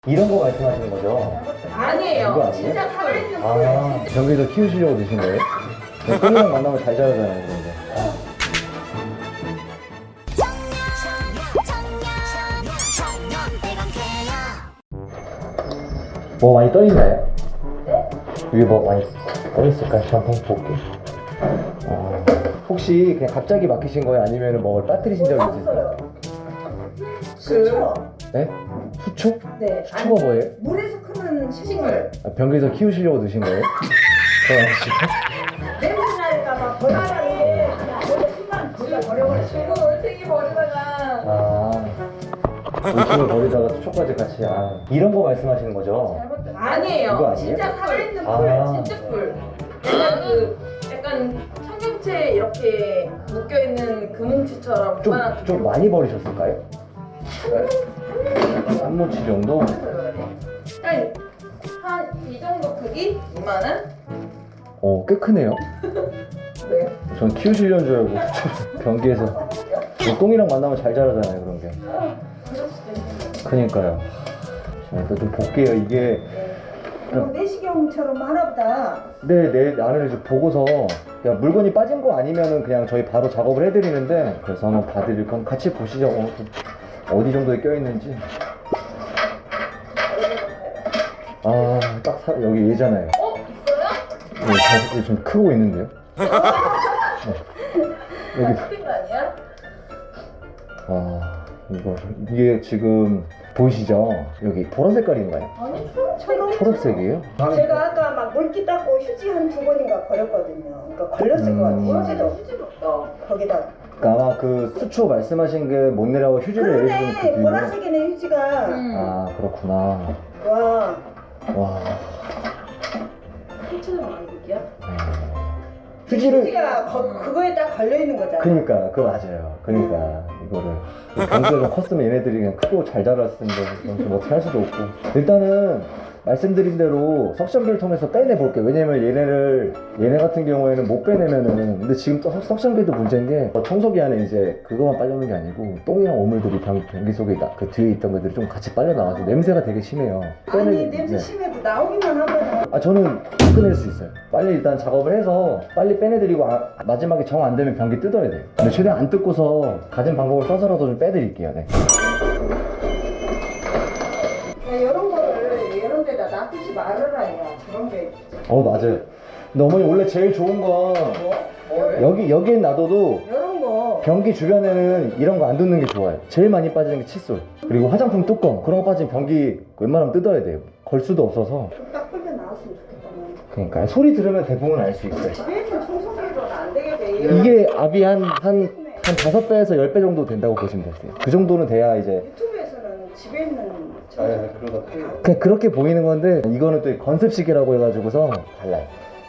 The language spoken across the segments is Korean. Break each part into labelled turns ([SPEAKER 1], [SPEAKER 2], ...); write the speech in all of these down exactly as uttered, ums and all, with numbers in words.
[SPEAKER 1] 이런 거 말씀하시는 거죠?
[SPEAKER 2] 아니에요.
[SPEAKER 1] 이거 아니에요?
[SPEAKER 2] 진짜 살아있는
[SPEAKER 1] 아, 경기도 키우시려고 드신 거예요? 똥이랑 만나면 잘 자라잖아요, 그런데. 뭐 많이 떠있나요?
[SPEAKER 2] 네?
[SPEAKER 1] 위에 뭐 많이 떠있을까요? 저 한번 볼게요. 어, 혹시 그냥 갑자기 막히신 거예요? 아니면 뭐 빠뜨리신 적이 있으세요?
[SPEAKER 3] 수초.
[SPEAKER 1] 네? 수초?
[SPEAKER 3] 네.
[SPEAKER 1] 수초가 뭐예요?
[SPEAKER 3] 물에서 크는 식물.
[SPEAKER 1] 아, 변기에서 키우시려고 드신 거예요? 그럼
[SPEAKER 3] 냄새 날까봐 버리는데 그냥 신발 불러 버려버렸어요.
[SPEAKER 2] 그리고 올챙이 버리다가
[SPEAKER 1] 아, 울침을 버리다가 수초까지 같이. 아, 이런 거 말씀하시는 거죠?
[SPEAKER 2] 잘못 아니에요.
[SPEAKER 1] 이거 아니에요?
[SPEAKER 2] 진짜 살아있는
[SPEAKER 1] 아.
[SPEAKER 2] 풀, 진짜 풀. 약간 그 약간 청경채 이렇게 묶여 있는 금뭉치처럼
[SPEAKER 1] 좀,
[SPEAKER 2] 그만한
[SPEAKER 1] 좀 많이 버리셨을까요? 한 모치 정도?
[SPEAKER 2] 한이 정도 크기? 이만한?
[SPEAKER 1] 어, 꽤 크네요.
[SPEAKER 2] 네.
[SPEAKER 1] 전 키우시려는 줄 알고 변기에서 뭐 똥이랑 만나면 잘 자라잖아요, 그런 게.
[SPEAKER 2] 그럴 수도 있는데.
[SPEAKER 1] 그니까요. 자, 일단 좀 볼게요. 이게
[SPEAKER 3] 뭐 내시경처럼 하나보다.
[SPEAKER 1] 네, 내 안을 이제 보고서 야, 물건이 빠진 거 아니면은 그냥 저희 바로 작업을 해드리는데, 그래서 한번 봐드릴 건 같이 보시죠. 어, 어디 정도에 껴있는지. 아, 딱 사, 여기 얘잖아요.
[SPEAKER 2] 어? 있어요?
[SPEAKER 1] 네, 자식이 좀 크고 있는데요. 네. 여기.
[SPEAKER 2] 큰 거 아니야?
[SPEAKER 1] 아, 이거 이게 지금 보이시죠? 여기 보라 색깔인가요?
[SPEAKER 2] 아니 초록
[SPEAKER 1] 초록색이에요?
[SPEAKER 3] 제가 아까 막 물기 닦고 휴지 한 두 번인가 버렸거든요. 그러니까 걸렸을
[SPEAKER 1] 음.
[SPEAKER 3] 것 같아요.
[SPEAKER 2] 보라색이
[SPEAKER 3] 휴지도
[SPEAKER 2] 휴지도 없다.
[SPEAKER 3] 거기다.
[SPEAKER 1] 그러니까 아마 그 수초 말씀하신 게 못 내라고 휴지를 내주는 그
[SPEAKER 3] 그러네.
[SPEAKER 1] 비율.
[SPEAKER 3] 보라색이네 휴지가.
[SPEAKER 2] 음.
[SPEAKER 1] 아, 그렇구나.
[SPEAKER 3] 와.
[SPEAKER 1] 와.
[SPEAKER 2] 휴지는 왕국이야?
[SPEAKER 1] 네. 휴지를.
[SPEAKER 3] 휴지가 거, 그거에 딱 걸려 있는 거잖아.
[SPEAKER 1] 그니까, 그거 맞아요. 그니까, 이거를. 경기가 좀 컸으면 얘네들이 그냥 크고 잘 자랐을 텐데, 이건 좀 어떻게 할 수도 없고. 일단은, 말씀드린 대로 석션기를 통해서 빼내볼게요. 왜냐면 얘네를, 얘네 같은 경우에는 못 빼내면은, 근데 지금 또 석- 석션기도 문제인 게, 청소기 안에 이제 그거만 빨려오는 게 아니고, 똥이랑 오물들이 변, 변기 속에, 나, 그 뒤에 있던 것들이 좀 같이 빨려나가서 냄새가 되게 심해요.
[SPEAKER 3] 아니
[SPEAKER 1] 빼내기-
[SPEAKER 3] 냄새
[SPEAKER 1] 네.
[SPEAKER 3] 심해도 나오기만 하면.
[SPEAKER 1] 아, 저는 끊을 수 있어요. 빨리 일단 작업을 해서 빨리 빼내드리고, 아, 마지막에 정 안 되면 변기 뜯어야 돼요. 근데 최대한 안 뜯고서 가진 방법을 써서라도 좀 빼드릴게요. 네.
[SPEAKER 3] 이런 거를 이런 데다 놔두지 말아라 야. 저런 게.
[SPEAKER 1] 어, 맞아요. 근데 어머니 원래 제일 좋은 건
[SPEAKER 2] 뭘?
[SPEAKER 1] 여기, 여기에 놔둬도
[SPEAKER 3] 이런 거.
[SPEAKER 1] 변기 주변에는 이런 거 안 뜯는 게 좋아요. 제일 많이 빠지는 게 칫솔. 그리고 화장품 뚜껑. 그런 거 빠지면 변기 웬만하면 뜯어야 돼요. 걸 수도 없어서.
[SPEAKER 3] 딱 끌려 나왔으면 좋겠다.
[SPEAKER 1] 그러니까 소리 들으면 대부분 알 수 있어요.
[SPEAKER 3] 집에 있는 청소기로는 안 되겠대.
[SPEAKER 1] 이게 압이 한, 한, 한 다섯 배에서 열 배 정도 된다고 보시면 되세요. 그 정도는 돼야 이제.
[SPEAKER 3] 유튜브에서는 집에 있는 청소기.
[SPEAKER 1] 그냥 그렇게 보이는 건데 이거는 또 건습식이라고 해가지고서 달라요.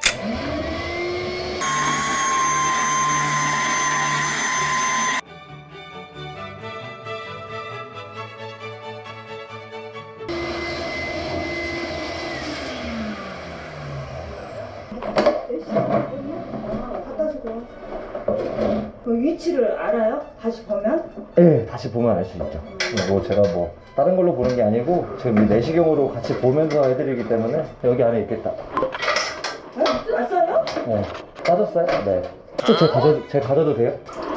[SPEAKER 3] 갖다 주고. 그 위치를 알아요? 다시 보면?
[SPEAKER 1] 네, 다시 보면 알 수 있죠. 뭐 제가 뭐 다른 걸로 보는 게 아니고 지금 이 내시경으로 같이 보면서 해드리기 때문에 여기 안에 있겠다.
[SPEAKER 3] 어? 왔어요?
[SPEAKER 1] 네, 빠졌어요? 네. 또 제가 가져, 제가 가져도 돼요?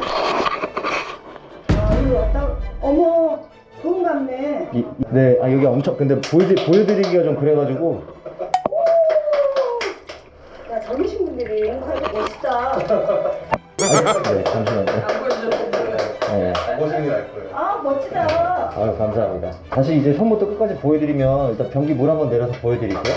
[SPEAKER 3] 아, 이거 왔다. 어머, 좋은 같네.
[SPEAKER 1] 이, 이- 네, 아 여기 엄청 근데 보여드, 보여드리기가 좀 그래가지고.
[SPEAKER 3] 야, 젊으신 분들이 행사하기 멋있다.
[SPEAKER 1] 아, 네, 잠시만요.
[SPEAKER 2] 안 보여주셨어요.
[SPEAKER 1] 네.
[SPEAKER 3] 아, 멋지다.
[SPEAKER 1] 아유, 감사합니다. 다시 이제 처음부터 끝까지 보여드리면 일단 변기 물 한번 내려서 보여드릴게요.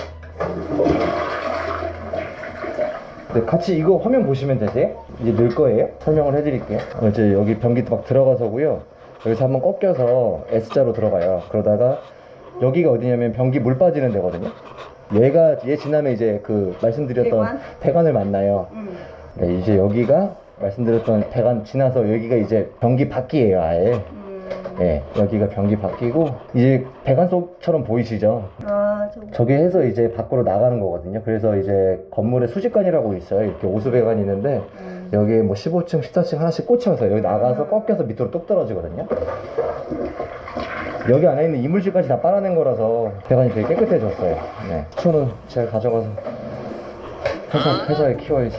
[SPEAKER 1] 네, 같이 이거 화면 보시면 되세요? 이제 넣을 거예요. 설명을 해드릴게요. 어, 이제 여기 변기 막 들어가서고요. 여기서 한번 꺾여서 S자로 들어가요. 그러다가 여기가 어디냐면 변기 물 빠지는 데거든요. 얘가 얘 지나면 이제 그 말씀드렸던
[SPEAKER 3] 배관?
[SPEAKER 1] 배관을 만나요.
[SPEAKER 3] 음.
[SPEAKER 1] 네, 이제 여기가 말씀드렸던 배관 지나서 여기가 이제 변기 밖이에요, 아예.
[SPEAKER 3] 음.
[SPEAKER 1] 예, 여기가 변기 바뀌고 이제 배관속처럼 보이시죠?
[SPEAKER 3] 아, 저
[SPEAKER 1] 저게 해서 이제 밖으로 나가는 거거든요. 그래서 이제 건물에 수직관이라고 있어요. 이렇게 오수배관이 있는데
[SPEAKER 3] 음.
[SPEAKER 1] 여기에 뭐 십오 층, 십사 층 하나씩 꽂혀서 여기 나가서 꺾여서 밑으로 뚝 떨어지거든요. 여기 안에 있는 이물질까지 다 빨아낸 거라서 배관이 되게 깨끗해졌어요. 네. 수초는 제가 가져가서 회사, 회사에 키워야지.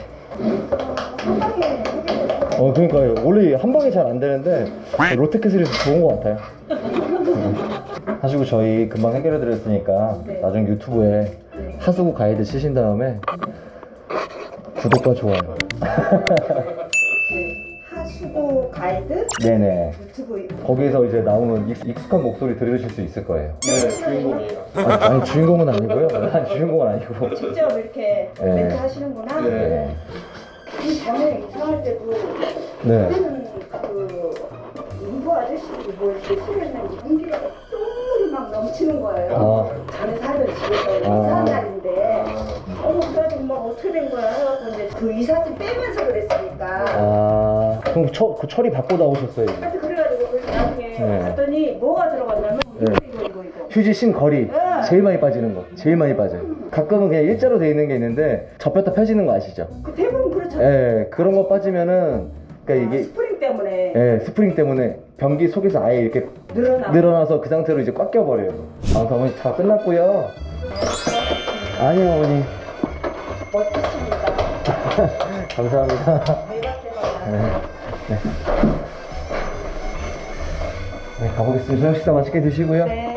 [SPEAKER 1] 어, 그러니까요. 원래 한 방에 잘 안 되는데 롯데캐슬에서 좋은 것 같아요. 네. 하시고 저희 금방 해결해 드렸으니까
[SPEAKER 3] 네.
[SPEAKER 1] 나중에 유튜브에
[SPEAKER 3] 네.
[SPEAKER 1] 하수구 가이드 치신 다음에 구독과 좋아요.
[SPEAKER 3] 네. 하수구 가이드
[SPEAKER 1] 네네.
[SPEAKER 3] 유튜브
[SPEAKER 1] 거기에서 이제 나오는 익- 익숙한 목소리 들으실 수 있을 거예요.
[SPEAKER 4] 네, 주인공이에요.
[SPEAKER 1] 아니, 아니 주인공은 아니고요. 아니, 주인공은 아니고.
[SPEAKER 3] 직접 이렇게
[SPEAKER 1] 네.
[SPEAKER 3] 멘트 하시는구나.
[SPEAKER 4] 네.
[SPEAKER 1] 네.
[SPEAKER 3] 이 전에 이사할 때도
[SPEAKER 1] 네.
[SPEAKER 3] 그때는 그 인부 아저씨들이 뭐 이렇게 소리했는지 공기가 똥물이 막 넘치는 거예요.
[SPEAKER 1] 아.
[SPEAKER 3] 전에 살던 집에서
[SPEAKER 1] 아.
[SPEAKER 3] 이사한 날인데 어머 그래가지고 막 어떻게 된 거야 해갖고 이제 그 이삿짐 빼면서 그랬으니까
[SPEAKER 1] 아, 그럼 처, 그 처리 받고 나오셨어요. 이제.
[SPEAKER 3] 하여튼 그래가지고 그래서 나중에
[SPEAKER 1] 네.
[SPEAKER 3] 갔더니 뭐가 들어갔냐면
[SPEAKER 1] 네.
[SPEAKER 3] 이거 이거 이거
[SPEAKER 1] 휴지 심 거리
[SPEAKER 3] 네.
[SPEAKER 1] 제일 많이 빠지는 거 제일 많이 빠져요. 가끔은 그냥 일자로 돼 있는 게 있는데 접혔다 펴지는 거 아시죠?
[SPEAKER 3] 그 대부분 그렇잖아요.
[SPEAKER 1] 예, 그런 거 빠지면은 그러니까
[SPEAKER 3] 아,
[SPEAKER 1] 이게
[SPEAKER 3] 스프링 때문에
[SPEAKER 1] 예, 스프링 때문에 변기 속에서 아예 이렇게
[SPEAKER 3] 늘어나.
[SPEAKER 1] 늘어나서 그 상태로 이제 꽉 껴버려요. 방송 어머니 다 끝났고요. 아니요 어머니.
[SPEAKER 3] 멋지십니다.
[SPEAKER 1] 감사합니다.
[SPEAKER 3] 대박
[SPEAKER 1] 네.
[SPEAKER 3] 대박.
[SPEAKER 1] 네. 네, 가보겠습니다. 저녁 식사 맛있게 드시고요.
[SPEAKER 3] 네.